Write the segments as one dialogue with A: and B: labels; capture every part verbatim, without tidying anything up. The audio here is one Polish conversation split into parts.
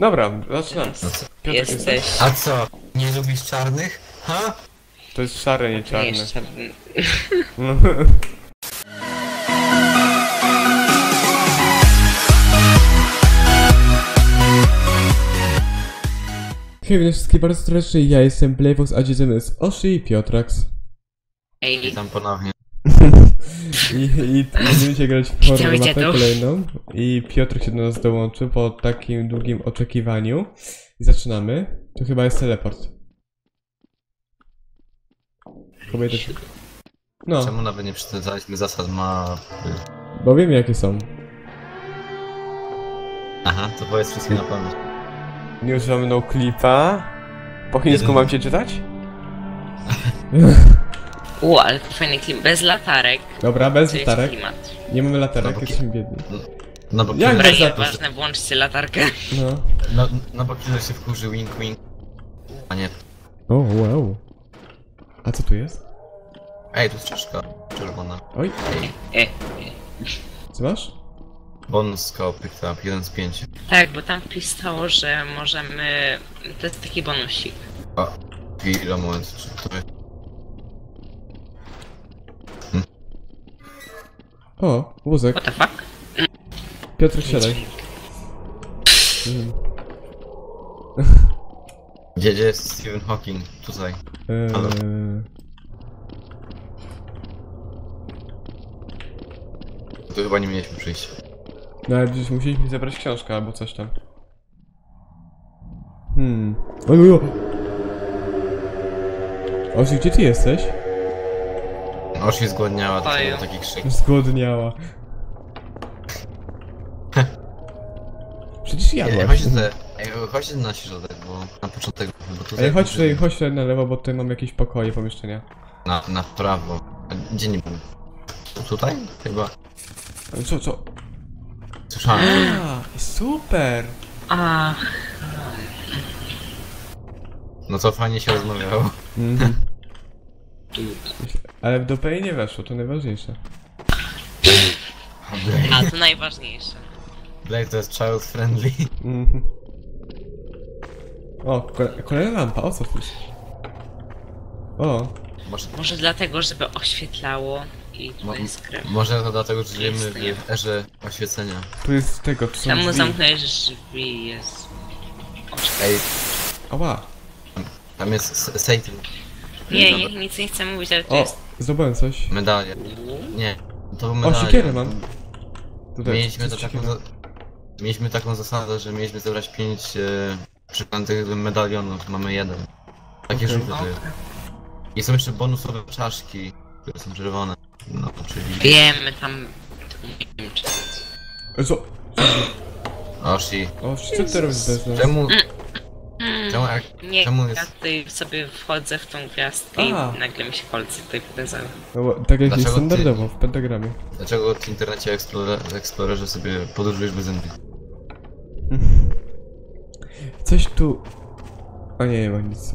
A: Dobra, zaczynam.
B: No co?
A: Piotrek,
C: Jesteś.
B: A co? Nie lubisz czarnych? Ha?
A: To jest szare, nie
C: Nie
A: czarne.
C: jest czarny.
A: No. Hej, witam wszystkich bardzo serdecznie, ja jestem Playfox, a dzisiaj jest Oshi i Piotrax.
C: Ej,
B: Witam ponownie.
A: I, i, i będziemy się grać w horror
C: Witam,
A: mapę
C: witam.
A: kolejną. I Piotrek się do nas dołączy po takim długim oczekiwaniu. I zaczynamy. To chyba jest teleport. Kobiety... No,
B: Czemu nawet nie przeczytaliśmy zasad mapy?
A: bo wiemy jakie są.
B: Aha, to powiedz wszystkim na pamięć.
A: Nie używamy no clipa. Po chińsku
B: Jeden.
A: mam cię czytać?
C: u, ale to fajny klimat. Bez latarek.
A: Dobra, bez
C: To jest
A: latarek.
C: klimat.
A: Nie mamy latarek,
B: No bo-
A: jesteśmy biedni.
B: No bo
A: Jak
B: killer,
C: Dobra,
A: bez latarek?
C: nieważne, włączcie latarkę.
A: No.
B: no, no bo killer się wkurzy, wink wink. A nie.
A: O, wow. A co tu jest?
B: Ej, tu jest czaszka czerwona.
A: Oj,
C: E,
A: co masz?
B: Bonus scope picked up, jeden z pięciu.
C: tak, bo tam pisało, że możemy... To jest taki bonusik.
B: O, chwila, moment, czy to jest...
A: O, wózek.
C: What the fuck?
A: Piotrek, siadaj. Mhm.
B: Gdzie, gdzie jest Stephen Hawking? Tutaj. Halo.
A: Eee,
B: Tu chyba nie mieliśmy przyjść.
A: no ale gdzieś musieliśmy zebrać książkę albo coś tam. Hmm. Oj, oj, oj. Osi, gdzie ty jesteś?
B: Oż się zgładniała, to
C: Oj.
B: był taki krzyk.
A: Zgłodniała. Przecież
B: Ej,
A: jadłaś.
B: chodźcie te, ej, chodźcie na środek, bo na początek, bo tutaj...
A: Ej, chodź tutaj, chodź tutaj na lewo, bo tutaj mam jakieś pokoje, pomieszczenia.
B: Na, na prawo. A gdzie nie był? Tutaj? Chyba.
A: Ale co, co?
B: Słyszałem.
A: A, super!
C: Ach,
B: No to fajnie się rozmawiało.
A: Mhm. Ale w dupę jej nie weszło, to najważniejsze.
C: a to najważniejsze.
B: Blade to jest child friendly.
A: Mhm. O, kole kolejna lampa, o co tu jest? O,
B: Może,
C: Może dlatego, żeby oświetlało i
B: Mo-
C: to jest krew.
B: może to dlatego, że żyjemy
C: Istnieje.
B: w erze oświecenia.
A: tu jest tego, tu są
C: Czemu
A: drzwi.
C: zamknąłeś drzwi? Jest...
B: Ej,
A: Ała.
B: tam jest S- Satan.
C: Nie,
B: Dobra.
C: nie, nic nie chcę mówić, ale to
A: O,
C: jest...
A: zdobyłem coś.
B: Medalia. Nie, to był
A: O,
B: medalia.
A: siekierę mam. Tutaj,
B: Mieliśmy,
A: to
B: to
A: jest
B: taką,
A: siekiera.
B: za- mieliśmy taką zasadę, że mieliśmy zebrać pięć e, przykładnych medalionów. Mamy jeden. Takie
A: Okej.
B: żółte to jest. I są jeszcze bonusowe czaszki, które są czerwone. No, czyli...
C: Wiemy tam... Nie wiem, czy...
A: E, Co?
B: Oshi.
A: O, co ty robisz bez nas?
B: Czemu...
C: Mm,
B: Czemu jak...
C: nie,
B: czemu
C: ja
B: jest...
C: tutaj sobie wchodzę w tą gwiazdkę
A: A.
C: i nagle mi się kolce tutaj pokazały.
A: No, bo, tak jak jest
B: Dlaczego ty-
A: standardowo, w pentagramie.
B: Dlaczego w internecie Explorer, Explorerze sobie podróżujesz bez zęby?
A: Coś tu... O nie, nie ma nic.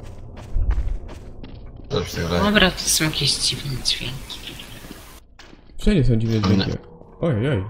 B: Dobrze się wydaje.
C: Dobra, to są jakieś dziwne dźwięki.
A: Wszędzie są dziwne
B: Mamy
A: dźwięki. Oj, oj.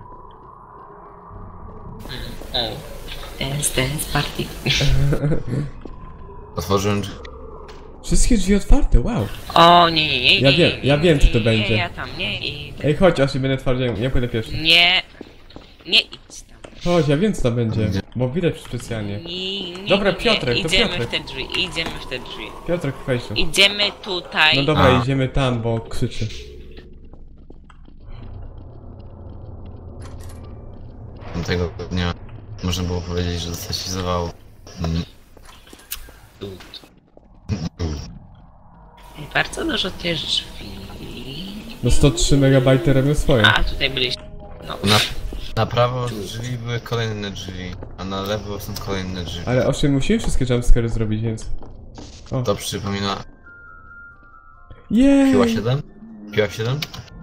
C: O. Dance, dance, party.
B: Otworzyłem drzwi.
A: Wszystkie drzwi otwarte, wow.
C: O, nie, nie, nie,
A: Ja
C: nie,
A: wiem,
C: nie,
A: ja
C: nie,
A: wiem, co to
C: nie,
A: będzie.
C: Nie, ja tam nie idę.
A: Ej, chodź, aż nie będę twardziej, ja pójdę pierwszy.
C: Nie, nie idź tam.
A: Chodź, ja wiem co tam będzie,
B: Gdzie?
A: bo widać specjalnie.
C: Nie, nie,
A: Dobra,
C: nie,
A: Piotrek, to
C: idziemy
A: Piotrek.
C: w te drzwi, idziemy w te drzwi.
A: Piotrek, wejdź tu.
C: Idziemy tutaj.
A: No dobra,
B: A.
A: idziemy tam, bo krzyczy.
B: Tego dnia można było powiedzieć, że zastasizował. Mm.
C: Bardzo dużo tych drzwi.
A: No sto trzy megabajty robią swoje.
C: A, tutaj byliśmy. No.
B: Na, na prawo drzwi były kolejne drzwi, a na lewo są kolejne drzwi.
A: Ale osiem musimy wszystkie jumpscary zrobić, więc... O,
B: To przypomina...
A: jej!
B: Piła siedem? Piła siedem?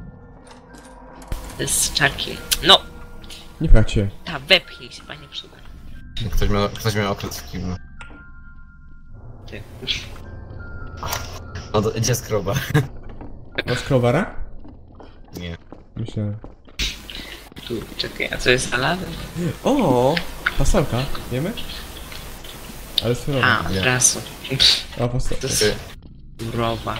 C: To jest czaki. No,
A: Nie pchać się.
C: ta wepchnij się, panie przyda.
B: Ktoś miał, ktoś miał okres w kiblu.
C: Ty.
B: No to gdzie skroba?
A: Masz krowara?
B: Nie.
A: Myślę.
C: Tu, czekaj, a co jest za lawą?
A: O! Fasolka, wiemy? Ale surowa.
C: A, od razu.
A: O, fasolka.
C: To jest surowa.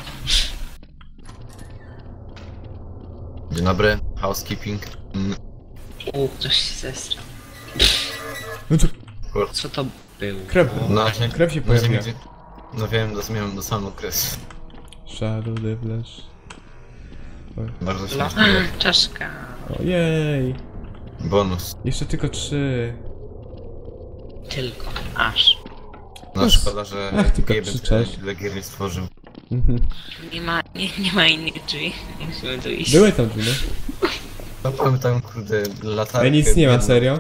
B: Dzień dobry, housekeeping. Mm,
C: U, ktoś się zestrał.
A: No to
C: Co to było?
A: krew,
B: No, się,
A: krew się
B: no, się
A: pojawia.
B: gdzie- no wiem, dosmiałem do samego kres.
A: Shadow the Flash.
B: Bardzo
C: No,
B: śmieszny.
C: czaszka.
A: Ojej.
B: Bonus.
A: Jeszcze tylko trzy.
C: Tylko. Aż.
B: No
A: Ach,
B: szkoda, że
A: ach, tylko
B: Gaben
A: krzyczesz.
B: tyle gier nie stworzył.
A: Mhm.
C: Nie ma, nie, nie ma innych drzwi. Nie musimy tu iść.
A: Były tam drzwi, no.
B: No mamy tam kurde latarkę.
A: Ej, nic nie ma,
B: biedną.
A: serio?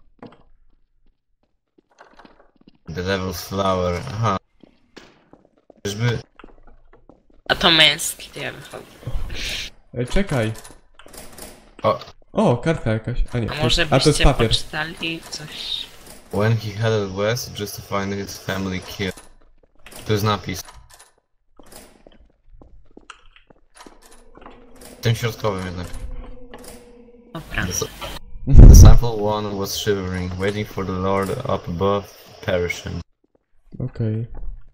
B: The Devil's Flower, aha. Czyżby...
C: A to męski, to ja wychodzę.
A: Ej, czekaj.
B: O,
A: O, kartka jakaś. A nie,
C: A
A: to
C: może
A: jest, a to jest
C: byście
A: papier.
C: poczytali coś?
B: when he headed west just to find his family killed. To jest napis. Tym środkowym jednak.
C: Dobra.
B: The, the sample one was shivering, waiting for the Lord up above, perishing.
A: Okej.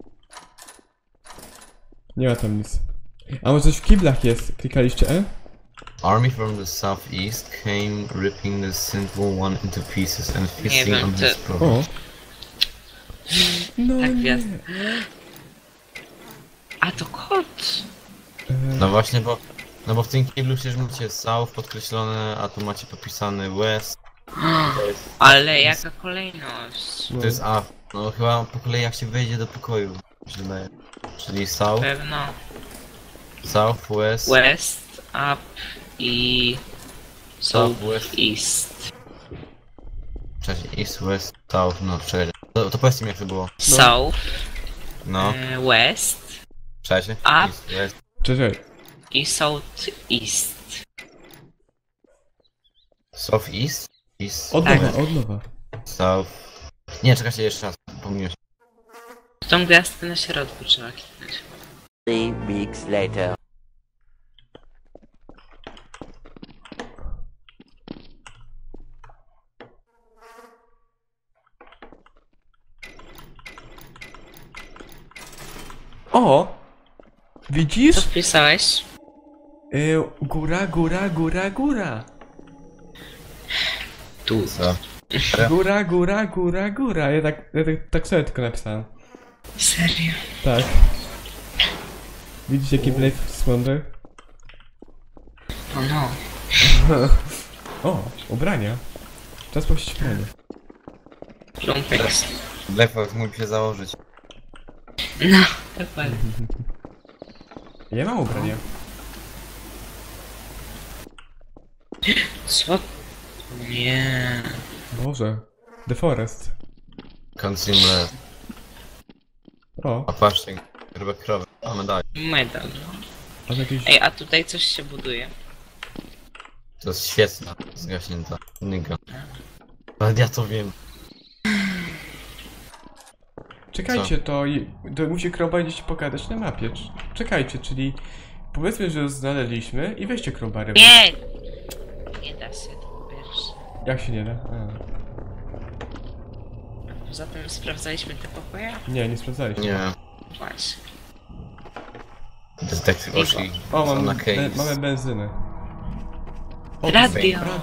A: Nie ma tam nic. A może coś w kiblach jest? Klikaliście E?
B: Army from the southeast came, ripping the sinful one into pieces and feasting
C: wiem,
B: on
C: to-
B: his
A: O.
B: provisions.
A: No
C: Tak,
A: nie.
C: gwiazd. A to kot!
A: E,
B: No właśnie, bo... No bo w tym kiblu przecież macie south podkreślone, a tu macie popisany west. To jest,
C: Ale jaka kolejność?
B: to jest A. No chyba po kolei jak się wejdzie do pokoju, mi się wydaje. Czyli south,
C: Pewno.
B: south, west,
C: West, up i... South,
B: Southwest.
C: east.
B: cześć, east, west, south, no czekaj. To, to powiedzcie mi jak to było.
C: South,
B: No,
C: e, west
B: cześć.
C: Up.
B: East, west,
A: Czekaj.
C: i south, east.
B: south, east, east,
A: Od
C: Tak.
A: nowa, od nowa.
B: south. Nie, czekajcie jeszcze raz, pomyliłem się.
C: Tą gwiazdkę na środku trzeba kliknąć.
D: Three weeks later.
A: O!
C: Co
A: Widzisz?
C: wpisałeś?
A: Y, góra, góra, góra, góra.
C: Tu.
B: Co?
A: Góra, góra, góra, góra. Ja tak, ja tak, tak sobie tylko napisałem.
C: Serio?
A: Tak. Widzisz jaki Blade Wonder?
C: O no.
A: O, ubrania. Czas puścić ubranie.
C: Lumpex.
B: Blackfox mógł się założyć.
C: No, dokładnie.
A: Ja mam ubranie.
C: Co? Nie.
A: Boże. The Forest.
B: Consumer.
A: O,
B: A patrzcie, grube krowy. A medali.
C: Medal.
A: a to jakieś...
C: Ej, a tutaj coś się buduje.
B: To jest świetna, zgaśnięta. Nyga. Ale ja to wiem.
A: Czekajcie, to, i- to musi crowbar gdzieś pokazać na mapie. Cz- Czekajcie, czyli powiedzmy, że znaleźliśmy i weźcie crowbary.
C: Nie! Nie da się to pierwsze.
A: Jak się nie da? A.
C: Poza tym sprawdzaliśmy te pokoje?
A: Nie, nie sprawdzaliście.
B: Nie.
C: Właśnie.
B: Detective Oshi.
A: O, mamy,
B: na
A: be,
B: case.
A: mamy benzynę. O,
C: Radio.
A: radio.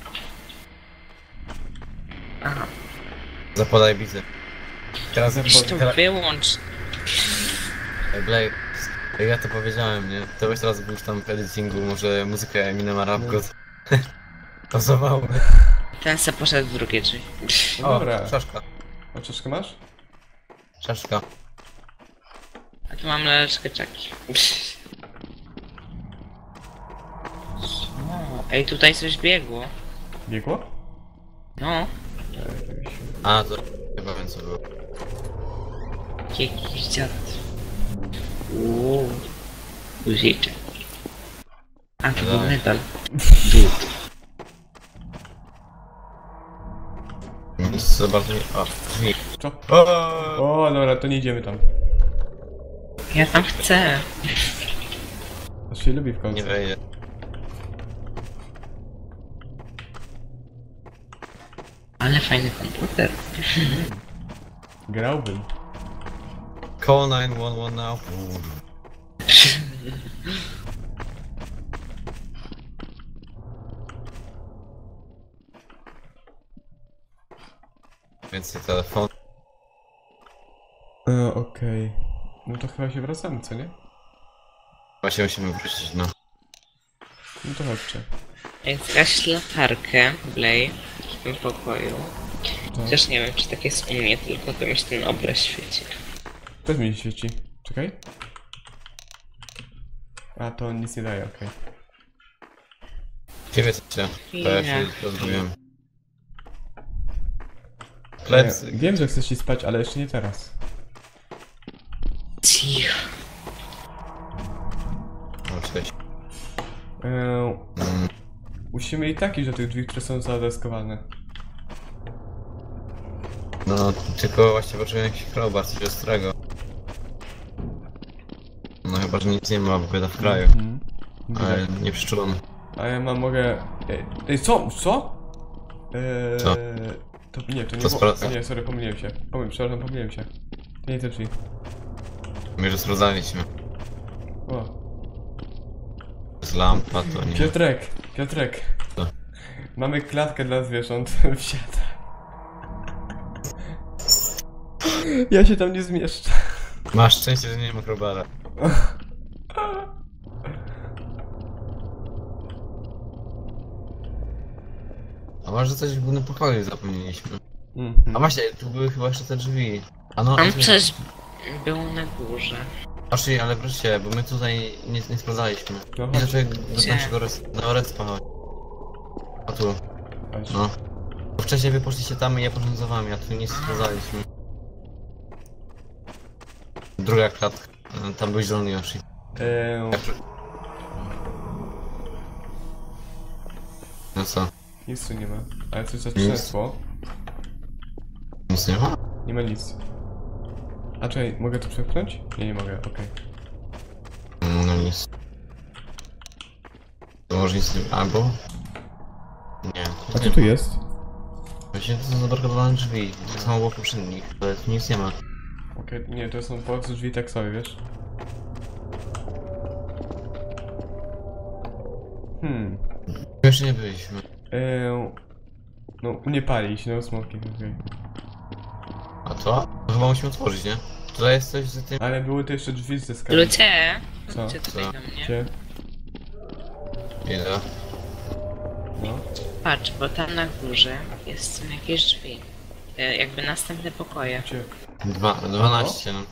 C: Aha.
B: Zapodaj bity. Teraz
A: Zapo-
C: Weź to
B: teraz...
C: wyłącz.
B: Ej, Blake, jak ja to powiedziałem, nie? To weź teraz był tam w editingu, może muzykę Eminema Rap God. Pasowało.
C: Ten se poszedł w drugie drzwi.
A: No
B: O,
A: dobra.
B: czaszka.
A: A czaszkę masz?
B: Czaszka.
C: A tu mam laleczkę czaki. O, ej, tutaj coś biegło.
A: Biegło?
C: No,
B: A, to chyba wiem co było.
C: jakiś dziad. Uuu. Guziczek. A, to był
B: Daj.
C: medal. Dud.
B: Zobaczmy. O, drzwi.
A: Co?
B: O!
A: O, dobra, to nie idziemy tam.
C: Ja tam chcę.
A: Aż się lubi w końcu.
B: Nie wejdzie.
C: A Ale fajny komputer.
A: Grałbym.
B: Call nine one one now. Więcej telefon.
A: E, Okej. No to chyba się wracamy, co nie?
B: Właśnie musimy wrócić, no.
A: No to chodźcie.
C: Jak zgaś latarkę, Blay, w tym pokoju.
A: To.
C: Chociaż nie wiem, czy tak jest u mnie, tylko to mi się ten obraz świeci.
A: Też mi się świeci. Czekaj. A, to nic nie daje, okej.
B: Ciebie co się? To ja się
C: Nie.
B: rozumiem.
A: Ja,
B: Plecy.
A: wiem, że chcesz ci spać, ale jeszcze nie teraz.
C: Cicho.
B: No cześć.
A: E,
B: Mm.
A: musimy i tak iść do tych drzwi, które są zadeskowane.
B: No, tylko właśnie poczułem jakiś crowbar, coś ostrego. No chyba, że nic nie ma, bo bieda w kraju.
A: Mhm.
B: Ale nie przyczulony.
A: A ja mam, mogę... Ej, ej co? Co? Eee,
B: Co?
A: To nie, to nie
B: To
A: było...
B: spra-
A: Nie, sorry, pomyliłem się. Pomyliłem, przepraszam, pomyliłem się. To nie te drzwi.
B: My już sprawdzaliśmy.
A: O.
B: Z lampa to nie.
A: Piotrek, Piotrek.
B: Co?
A: Mamy klatkę dla zwierząt. Wsiada. Ja się tam nie zmieszczę.
B: Masz szczęście, że nie ma crowbara. A może coś w głównym pokoju zapomnieliśmy.
A: Mhm.
B: A właśnie, tu były chyba jeszcze te drzwi. A no,
C: On
B: a-
C: przecież był na górze.
B: Właśnie, ale proszę, bo my tutaj nie, nie sprawdzaliśmy.
A: No
B: Nie
A: chodź,
B: znaczy do
C: Gdzie?
B: naszego res... do respa chodź. A tu,
A: chodź.
B: no. Bo wcześniej wy poszliście tam i ja poszedłem za wami, a tu nic nie sprawdzaliśmy. Druga klatka. E, Tam był zielony Yoshi.
A: Eee,
B: Ja przy- No co?
A: nic tu nie ma. Ale coś zatrzęsło.
B: Nic nie ma?
A: Nie ma nic. A czekaj, mogę to przepchnąć? Nie, nie mogę, okej.
B: No nic. To może nic nie... albo? Nie.
A: A co tu jest?
B: Właśnie to są zablokowane drzwi. Tak samo było poprzednich, ale tu nic nie ma.
A: Okej, nie, to są po prostu drzwi tak sobie, wiesz? Hmm.
B: Jeszcze nie byliśmy.
A: Eee, no, nie pali się, no smoki, okej.
B: A to? To chyba musimy otworzyć, nie? Tutaj jest coś z tym...
A: Ale były to jeszcze drzwi z deskami.
C: Ludzie,
A: Co?
C: chodźcie tutaj
B: Co?
C: do mnie.
A: Gdzie?
B: Ile?
A: No.
C: Patrz, bo tam na górze jest są jakieś drzwi. E, Jakby następne pokoje.
A: Gdzie?
B: Dwa, dwanaście, no.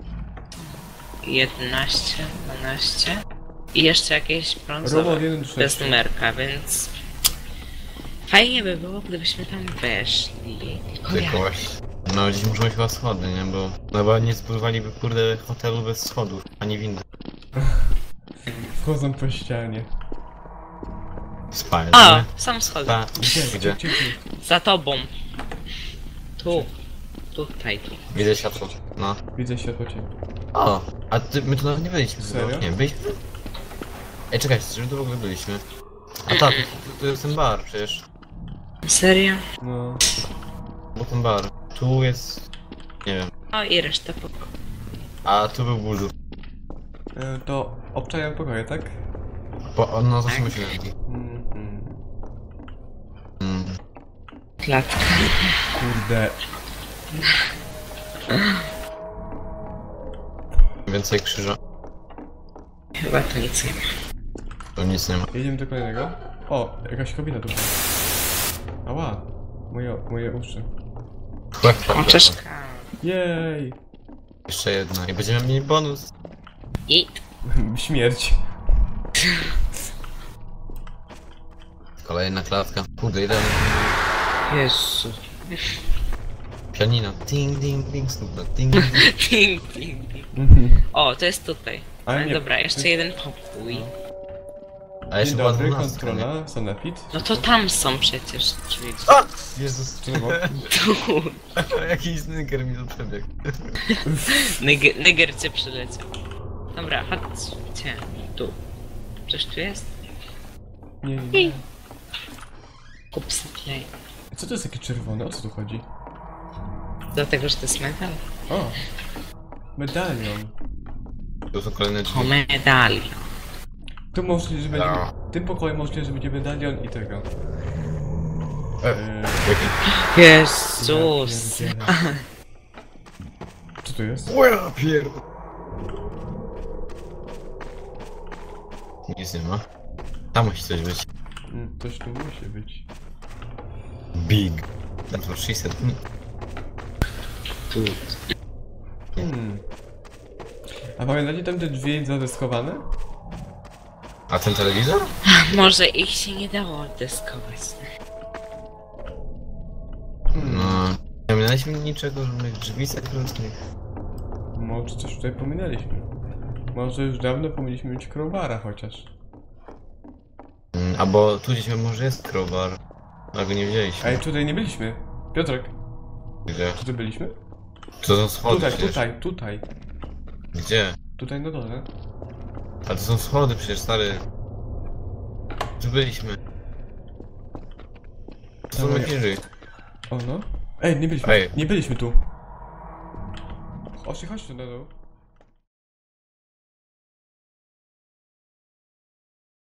C: jedenaście, dwanaście. I jeszcze jakieś brązowe.
A: Robot jeden do
C: Bez
A: sześciu.
C: numerka, więc... Fajnie by było, gdybyśmy tam weszli. Tylko
B: Tylko
C: jak?
B: właśnie. No dziś muszą być chyba schody, nie? Bo... No bo nie zbudowaliby kurde hotelu bez schodów, ani windy.
A: Wchodzą po ścianie.
B: Spalnie.
C: O, są schody.
B: Ta...
A: Gdzie?
B: Gdzie?
A: Gdzie? Gdzie?
C: Za tobą. Tu. Tutaj, tu.
B: Widzę światło. No.
A: Widzę światło ciebie.
B: O! A ty, my tu nawet nie byliśmy.
A: Serio?
B: chyba. Nie, byliśmy? Ej, czekajcie, czy my tu w ogóle byliśmy? A tak, tu, tu jest ten bar przecież.
C: Serio?
A: No.
B: Był ten bar. Tu jest... Nie wiem.
C: O, i reszta pokoju.
B: A tu był bulldog.
A: E, to obczają pokoje, tak?
B: Po, no zawsze myślę.
A: Mm, mm.
B: Mm.
C: Klatka.
A: Kurde.
B: Więcej krzyża.
C: Chyba to nic nie ma.
B: Tu nic nie ma.
A: Jedziemy do kolejnego. O, jakaś kobieta tu. Ała. Moje, moje uszy.
C: Oczeszka.
A: Jej.
B: Jeszcze jedna i będziemy mieli bonus.
C: I...
A: Śmierć.
B: Kolejna klatka. Kurde, ile...
C: Jezu.
B: Pianino. Ding, ding, ding, snupno. Ding, ding.
C: Ding, ding, ding.
A: Mhm.
C: O, to jest tutaj.
A: Ale
C: Ale
A: nie-
C: dobra, jeszcze jeden pokój.
B: A jeszcze
A: Dzień
B: była
A: dobry,
B: dwunastka, nie?
A: kontrola, sanepid.
C: No to tam są przecież drzwi.
B: A! Jezus,
A: Czego?
C: Tu.
B: jakiś snygger mi to przebiegł.
C: Nyger, nyger cię przyleciał. Dobra, chodźcie. Tu. Coś tu jest?
A: Nie, nie, nie.
C: Kup sobie.
A: Co to jest takie czerwone? O co tu chodzi?
C: Dlatego, że to jest metal.
A: O! Medalion.
B: To są kolejne drzwi.
C: O, medalion.
A: Tu możliwe, że będzie...
B: No.
A: W tym pokoju możliwe, że będzie medalion i tego.
B: E,
A: Eee,
B: jaki?
C: Jezus.
A: ja pierdzielę. Co to jest?
B: O ja pier... Nic nie ma. Tam musi coś być.
A: Mm, Coś tu musi być.
B: Big. That's what she said.
A: Hmm. A pamiętacie tam te drzwi zadeskowane?
B: A ten telewizor?
C: Może ich się nie dało oddeskować.
B: No. Nie mieliśmy niczego, żadnych drzwi sekretnych.
A: Może coś tutaj pominęliśmy. Może już dawno powinniśmy mieć crowbara chociaż.
B: Mm, albo tu gdzieś może jest crowbar. A go nie widzieliśmy.
A: Ej, tutaj nie byliśmy. Piotrek,
B: Gdzie?
A: czy tu byliśmy?
B: To są schody
A: Tutaj,
B: przecież.
A: tutaj, tutaj.
B: Gdzie?
A: Tutaj na dole.
B: A to są schody przecież, stary. Tu byliśmy. To są
A: Dawaj.
B: najbliżej.
A: O no. Ej, nie byliśmy.
B: Ej.
A: Nie byliśmy tu. Chodź, chodź tu na dół.